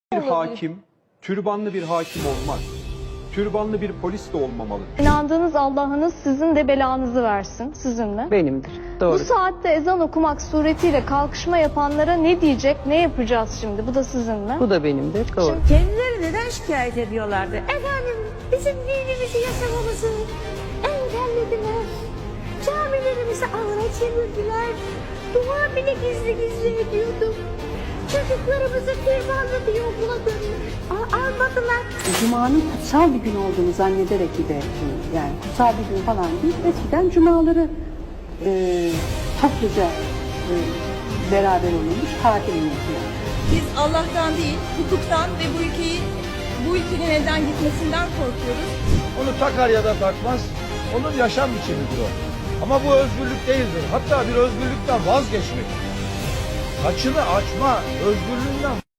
Bir hakim, türbanlı bir hakim olmaz. Türbanlı bir polis de olmamalı. İnandığınız Allah'ınız sizin de belanızı versin sizinle. Benimdir. Doğru. Bu saatte ezan okumak suretiyle kalkışma yapanlara ne diyecek, ne yapacağız şimdi? Bu da sizinle. Bu da benimdir. Doğru. Şimdi kendileri neden şikayet ediyorlardı? Efendim bizim dinimizi yaşamamızı engellediler. Camilerimizi ağına çevirdiler. Dua bile gizli gizli ediyorduk. Çocuklarımızı firmanlı diye okula almadılar. Cuma'nın kutsal bir gün olduğunu zannederek giderdim. Yani kutsal bir gün falan değil. Eskiden cumaları topluca beraber olunmuş tatil yapıyor. Biz Allah'tan değil, hukuktan ve bu ülkenin elden gitmesinden korkuyoruz. Onu takar ya da takmaz, onun yaşam biçimidir o. Ama bu özgürlük değildir. Hatta bir özgürlükten vazgeçmek. Saçını açma, özgürlüğünden